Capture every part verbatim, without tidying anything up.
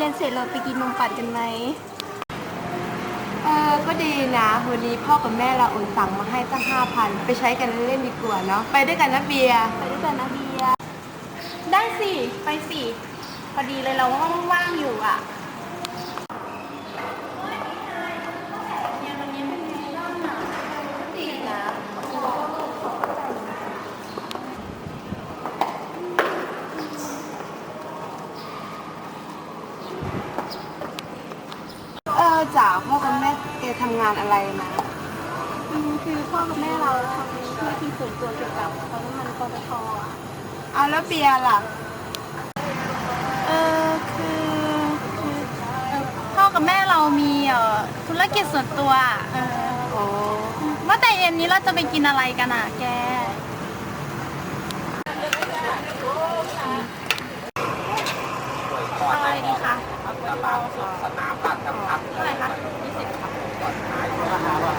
รียนเสร็จเราไปกินนมปัดกันไหมเออก็ดีนะวันนี้พ่อกับแม่เราโอนตังมาให้ตั้งห้าพันไปใช้กันเล่นๆดีกว่าเนาะไปด้วยกันนะเบียร์ไปด้วยกันนะเบียร์ได้สิไปสิพอดีเลยเราก็ว่างๆอยู่อ่ะเออจ๋าพ่อกับแม่แกทำงานอะไรนะอืมคือพ่อกับแม่เราทำธุรกิจส่วนตัวเกี่ยวกับปั๊มน้ำมันปตทอ่ะเอาแล้วเบียร์ล่ะเออคือคือเอ่อพ่อกับแม่เรามีเอ่อธุรกิจส่วนตัวเออโอ้ว่าแต่เย็นนี้เราจะไปกินอะไรกันอ่ะแกอะไรดีคะสนามบ้านครับเท่าไหร่คะยี่สิบครับก่อนขายราคาว่า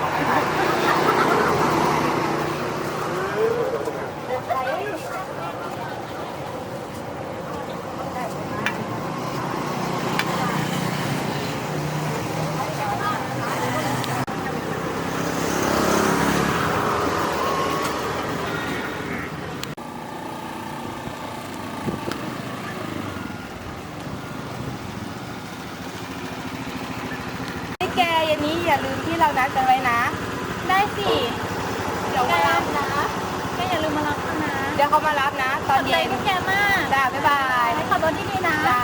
แกเย็นนี้อย่าลืมที่เรานัดกันไว้นะได้สิเดี๋ยวมารับนะแกอย่าลืมมารับเขานะเดี๋ยวเขามารับนะตอนเย็นขอบใจพวกแกมากจ้าบ๊ายบายให้ขับรถดีๆนะจ้า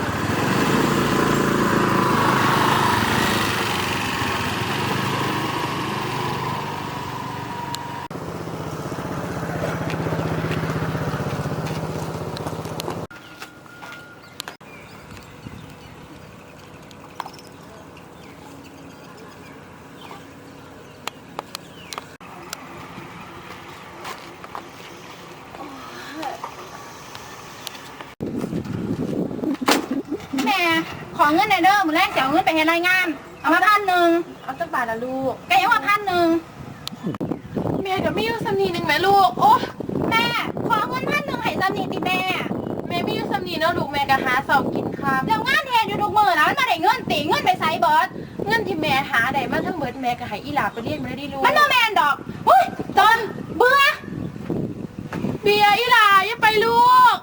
แม่ขอเงินหน่อยเด้อมื้อแรกเสียเงินไปเฮ็ดรายงานเอามาพันหนึ่งเอาตั้งบาทละลูกแกยังว่าพันหนึ่งเมียกับไม่ยุ่งสำนีหนึ่งไหมลูกโอ้แม่ขอเงินพันหนึ่งให้สำนีติแม่แม่ไม่ยุ่งสำนีเนาะลูกแม่ก็หาเสากินข้าวแล้วงานแทนอยู่ทุกมื้อนะมันมาได้เงินตีเงินไปไสเบิดเงินที่แม่หาได้มาทั้งเบิดแม่ก็ให้อีหลาไปเรียนมาได้ลูกมันบ่แม่นดอกอุ้ยตอนเบื่อเบียร์อีหลาอย่าไปลูก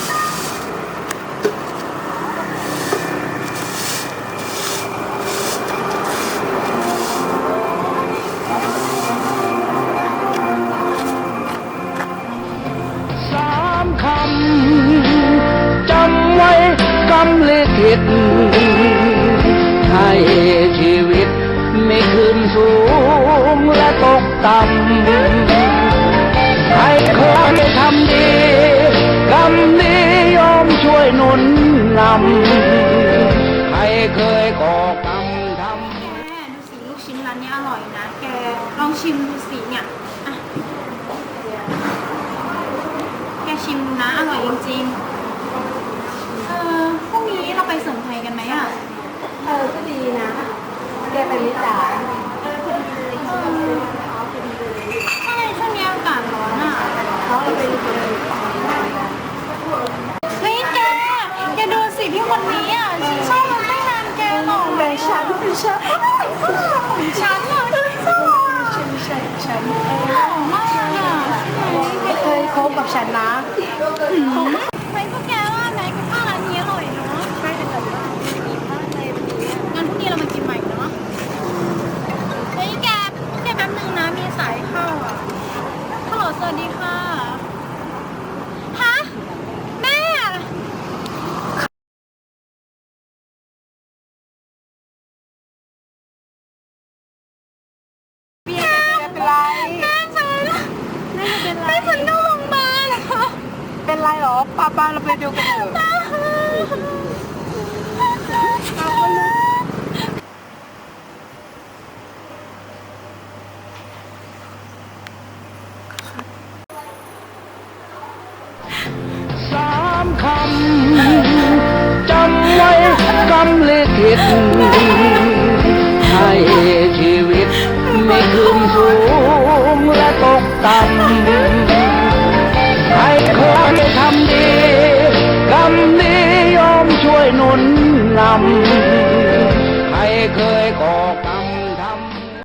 คำจำไว้กำลิขิตให้ชีวิตไม่ขึ้นสูงและตกต่ำให้คนทำดีกรรมนี้ยอมช่วยหนุนนำให้เคยก่อกรรมทำแกดูสิลูกชิ้นร้านนี้อร่อยนะแกลองชิมดูสิเนี่ยอ่ะแกชิมดูนะอร่อยจริงๆเออพรุ่งนี้เราไปเสริมไทยกันไหมอ่ะเออก็ดีนะแกไปมิจ๋าเออพอดีเลยเออใช่ช่วงนี้อากาศร้อนอ่ะเขาเราไปดูเลยเฮ้ยแกแกดูสิพี่คนนี้อ่ะฉันชอบมันตั้งนานแกหรอแต่ฉันเป็นฉันฉันเหรอฉันฉันฉันหล่อมากอ่ะไม่เคยคบกับฉันนะไม่พวกแกว่าไหนกับข้าวร้านนี้อร่อยเนาะใช่แต่แบบว่าดีมากเลยวันนี้งั้นพรุ่งนี้เรามากินใหม่เนาะเฮ้ยแกแกแป๊บนึงนะมีสายเข้าอ่ะฮัลโหลสวัสดีค่ะฮะแม่เบียร์จะเป็นไรแม่ฉันแม่เป็นไรแม่ฉันเข้าโรงพยาบาลค่ะเป็นไรหรอป้าป้าเราไปดูกันเถอะสามคำจำไว้กำลิขิตให้ชีวิตไม่ขึ้นสูงและตกต่ำให้คนทำดีกรรมนี้ยอมช่วยหนุนนำ